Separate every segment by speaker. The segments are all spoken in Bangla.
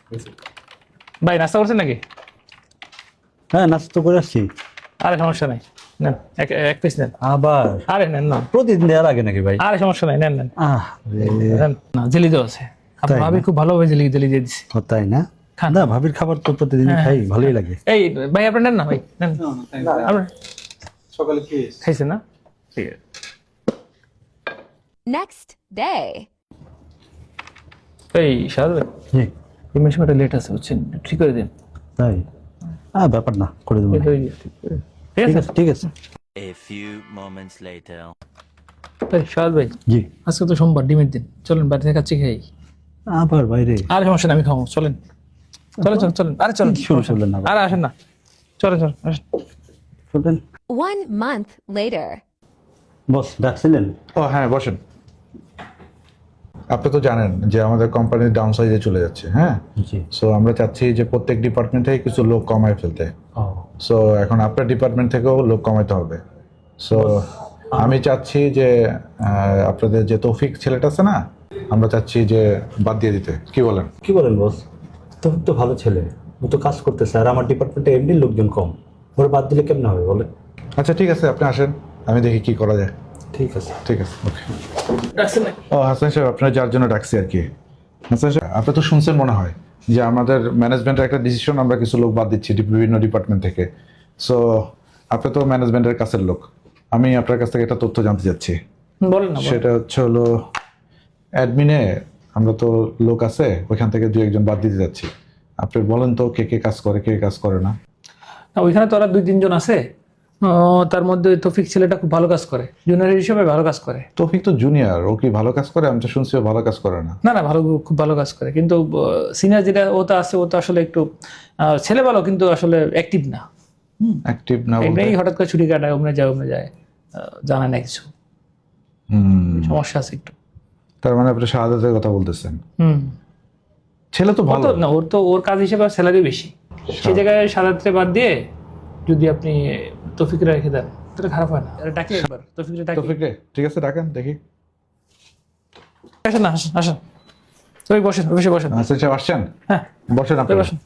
Speaker 1: ভাই নাস্তা করছেন নাকি?
Speaker 2: হ্যাঁ, নাস্তা তো করে আসছি।
Speaker 1: আরে সমস্যা নাই, নেন এক পিস নেন।
Speaker 2: আবার
Speaker 1: আরে নেন না,
Speaker 2: প্রতিদিন দেওয়ার আগে নাকি ভাই?
Speaker 1: আরে সমস্যা নাই, নেন নেন
Speaker 2: রে।
Speaker 1: নেন। না জেলি দেওয়া আছে,
Speaker 2: তাই
Speaker 1: ভাবি
Speaker 2: না?
Speaker 1: খুব ভালোভাবে জেলি জেলি দিয়ে দিচ্ছি।
Speaker 2: ও তাই না?
Speaker 1: খান।
Speaker 2: না, ভাবির খাবার তো প্রতিদিন
Speaker 1: হ্যাঁ,
Speaker 2: খাই, ভালোই লাগে।
Speaker 1: এই ভাই আপনি নেন না, ভাই নেন। আপনার
Speaker 3: সকালে
Speaker 1: খাইছেন না? ঠিক আছে।
Speaker 4: Next day.
Speaker 1: এই সাদ ভাই,
Speaker 2: জি,
Speaker 1: পেমেন্ট সময়টা লেট আছে বুঝছেন, ঠিক করে দিন।
Speaker 2: তাই? ব্যাপার না, করে দেবো।
Speaker 1: ঠিক করে দিন, ঠিক করে দিন। ঠিক
Speaker 2: ঠিক
Speaker 1: আছে
Speaker 2: আছে, ঠিক আছে।
Speaker 5: A few moments later.
Speaker 1: ভাই সাদ ভাই,
Speaker 2: জি।
Speaker 1: আজকে তো সোমবার, ডিমের দিন, চলেন বাড়ি থেকে কাচ্চি খাই।
Speaker 2: আবার বাইরে?
Speaker 1: আরে সমস্যা নাই, আমি খাবো, চলেন চলেন চলেন চলেন। আরে চলেন,
Speaker 2: শুরু করলেন না?
Speaker 1: আরে আসেন না, চলেন চলেন আসেন।
Speaker 2: চলবেন।
Speaker 4: 1 month later.
Speaker 2: বস ডাকছিলেন?
Speaker 3: ও হ্যাঁ, বসেন। আপনি তো জানেন যে আমাদের কোম্পানির ডাউন সাইজে চলে যাচ্ছে, হ্যাঁ।
Speaker 2: জি।
Speaker 3: সো আমরা চাচ্ছি যে প্রত্যেক ডিপার্টমেন্টে কিছু লোক কমায় ফেলতে।
Speaker 2: ও,
Speaker 3: সো এখন আপনার ডিপার্টমেন্ট থেকেও লোক কমাইতে হবে। সো আমি চাচ্ছি যে আপনাদের যে তৌফিক ছেলেটা আছে না, আমরা চাচ্ছি যে বাদ দিয়ে দিতে। কি বলেন?
Speaker 2: কি বলেন বস? তো ভালো ছেলে, ও তো কাজ করতেছে, আর আমার ডিপার্টমেন্টে এমনি লোকজন কম, ওরা বাদ দিলে কেমন হবে বলে?
Speaker 3: আচ্ছা ঠিক আছে, আপনি আসেন, আমি দেখি কি করা যায়।
Speaker 2: ঠিক আছে।
Speaker 3: ঠিক আছে, ওকে।
Speaker 1: ডাকছেন নাকি?
Speaker 3: ও হাসান সাহেব, আপনার যার জন্য ডাকছি আর কি। হাসান সাহেব, আপনি তো শুনছেন মনে হয় যে আমাদের ম্যানেজমেন্টের একটা ডিসিশন, আমরা কিছু লোক বাদ দিচ্ছি বিভিন্ন ডিপার্টমেন্ট থেকে। সো আপনি তো ম্যানেজমেন্টের কাছের লোক, আমি আপনার কাছ থেকে একটা তথ্য জানতে চাচ্ছি।
Speaker 1: বলেন না, বলেন।
Speaker 3: সেটা হলো অ্যাডমিনে আমরা তো লোক আছে, ওইখান থেকে 2-1 জন বাদ দিতে যাচ্ছি। আপনি বলেন তো কে কে কাজ করে, কে কাজ করে না।
Speaker 1: না, ওইখানে তো ওরা 2-3 জন আছে, তার মধ্যে ওই তৌফিক ছেলেটা খুব ভালো কাজ করে, জুনিয়র হিসেবে ভালো কাজ করে।
Speaker 3: তৌফিক তো জুনিয়র, ও কি ভালো কাজ করে? আমি তো শুনছি ও ভালো কাজ করে না।
Speaker 1: না না, ভালো, খুব ভালো কাজ করে, কিন্তু সিনিয়র যেটা ও তো আছে, ও তো আসলে একটু ছেলে ভালো, কিন্তু আসলে অ্যাক্টিভ না।
Speaker 3: অ্যাক্টিভ না বলতে?
Speaker 1: এমনি হঠাৎ করে ছুটি কাটায়, ওমনে যায়, জানা না কিছু, সমস্যা আছে একটু।
Speaker 3: তার মানে আপনি শাহাদাতের কথা বলতেছেন?
Speaker 1: হুম।
Speaker 3: ছেলে তো ভালো।
Speaker 1: না, ওর কাজ হিসেবে স্যালারি বেশি, সেই জায়গায় সাদাতে বাদ দিয়ে যদি আপনি তৌফিকরে রেখে দেন তাহলে খারাপ হয় না। ডাকি একবার তৌফিকরে ডাকি।
Speaker 3: তৌফিকরে ঠিক আছে, ডাকেন দেখি।
Speaker 1: আসেন না, আসেন আসেন, তৌফিক বসেন, অফিসে বসেন।
Speaker 3: হাসান সাহেব আসছেন?
Speaker 1: হ্যাঁ
Speaker 3: বসেন আপনি।
Speaker 1: বসেন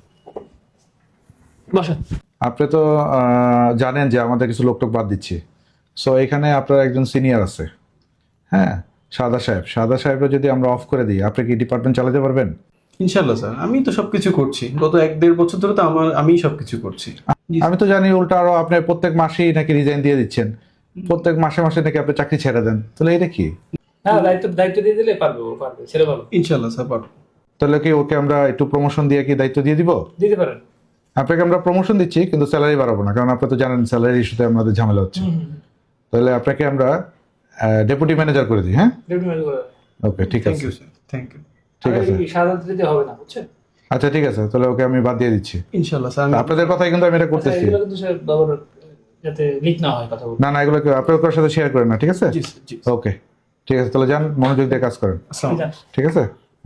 Speaker 1: বসেন।
Speaker 3: আপনি তো জানেন যে আমাদের কিছু লোক টোক বাদ দিচ্ছি। সো এখানে আপনার একজন সিনিয়র আছে, হ্যাঁ, সাদা সাহেব। সাদা সাহেবরা যদি আমরা অফ করে দিই, আপনি কি ডিপার্টমেন্ট চালাতে পারবেন?
Speaker 6: ইনশাল্লাহ স্যার, আমি তো সবকিছু করছি, গত 1-1.5 বছর ধরে তো আমিই সবকিছু করছি।
Speaker 3: আমি তো জানি উল্টা আরো আপনি প্রত্যেক মাসেই নাকি রিজাইন দিয়ে দিচ্ছেন, প্রত্যেক মাসে মাসে নাকি আপনি চাকরি ছেড়ে দেন। তাহলে এটা কি?
Speaker 1: হ্যাঁ, দায়িত্ব দিয়ে দিলে পারবে, ও পারবে, ছেলে ভালো।
Speaker 6: ইনশাল্লাহ স্যার পারবো।
Speaker 3: তাহলে কি ওকে আমরা একটু প্রমোশন দিয়ে কি দায়িত্ব দিয়ে দিব?
Speaker 1: দিতে পারেন।
Speaker 3: আপনাকে আমরা প্রমোশন দিচ্ছি, কিন্তু স্যালারি বাড়াবো না, কারণ আপনি তো জানেন স্যালারি ইস্যুতে আমাদের ঝামেলা হচ্ছে। তাহলে আপনাকে আমরা ডেপুটি ম্যানেজার করে দিই। হ্যাঁ,
Speaker 1: ডেপুটি ম্যানেজার করে দেন।
Speaker 3: ওকে ঠিক
Speaker 6: থ্যাংক
Speaker 3: আছে।
Speaker 6: You sir, thank you.
Speaker 3: ঠিক আছে,
Speaker 1: সাধারণত দিতে হবে না, বুঝছেন?
Speaker 3: আচ্ছা ঠিক আছে, তাহলে ওকে আমি বাদ দিয়ে দিচ্ছি।
Speaker 6: ইনশাল্লাহ স্যার, আমি
Speaker 3: আপনাদের কথাই কিন্তু আমি এটা করতেছি।
Speaker 1: এগুলো কিন্তু সে বাবার যাতে লিক না হয় কথা বলতে।
Speaker 3: না না, এগুলো আপনার ওর সাথে শেয়ার করেন না, ঠিক আছে?
Speaker 6: জি স্যার, জি।
Speaker 3: ওকে ঠিক আছে, তাহলে যান, মনোযোগ দিয়ে কাজ করেন,
Speaker 6: আসসালামু আলাইকুম।
Speaker 3: ঠিক আছে?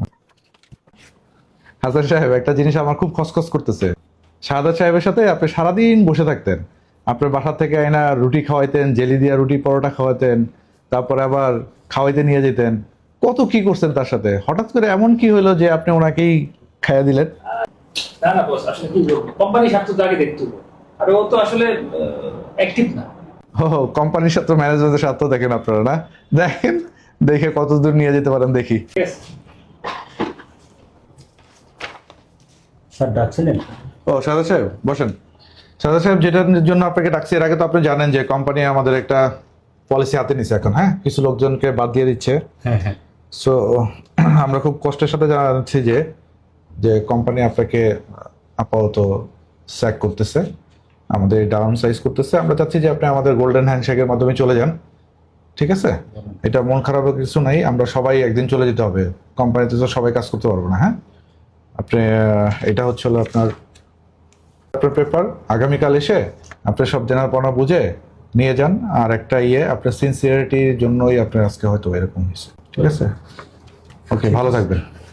Speaker 3: হাসান সাহেব, একটা জিনিস আমার খুব খসখস করতেছে। শাহাদাত সাহেবের সাথে আপনি সারাদিন বসে থাকতেন, আপনার বাসা থেকে আয়না রুটি খাওয়াইতেন, জেলি দিয়া রুটি পরোটা খাওয়াতেন, তারপরে আবার খাওয়াইতে নিয়ে যেতেন, কত কি করছেন তার সাথে। হঠাৎ করে এমন কি হলো যে আপনি ওনাকেই খাইয়া দিলেন?
Speaker 1: না না বস, আসলে কি বলবো, কোম্পানির স্বার্থ তো আগে দেখতে হবে, আর ও তো আসলে অ্যাক্টিভ না।
Speaker 3: ও, কোম্পানির সাথে ম্যানেজমেন্টের স্বার্থ দেখেন আপনারা না? দেখেন, দেখে কত দূর নিয়ে যেতে পারেন দেখি।
Speaker 1: ঠিক আছে।
Speaker 2: স্যার ডাকছিলেন?
Speaker 3: ও সাদা সাহেব বসেন। সাদা সাহেব, যেটার জন্য আপনাকে ডাকছি, এর আগে তো আপনি জানেন যে কোম্পানি আমাদের একটা পলিসি হাতে নিছে এখন, হ্যাঁ, কিছু লোকজনকে বাদ দিয়ে দিচ্ছে।
Speaker 2: হ্যাঁ হ্যাঁ।
Speaker 3: সো আমরা খুব কষ্টের সাথে জানাচ্ছি যে যে কোম্পানি আপনাকে আপাতত স্যাক করতেছে, আমাদের ডাউন সাইজ করতেছে। আমরা চাচ্ছি যে আপনি আমাদের গোল্ডেন হ্যান্ডশেকের মাধ্যমে চলে যান, ঠিক আছে? এটা মন খারাপের কিছু নাই, আমরা সবাই একদিন চলে যেতে হবে, কোম্পানিতে তো সবাই কাজ করতে পারবো না। হ্যাঁ, আপনি এটা হলো আপনার পেপার, আগামীকাল এসে আপনি সব জানার পড়া বুঝে নিয়ে যান। আর একটা আপনার সিনসিয়ারিটির জন্যই আপনার আজকে হয়তো এরকম হয়েছে, ঠিক আছে? ওকে, ভালো থাকবেন।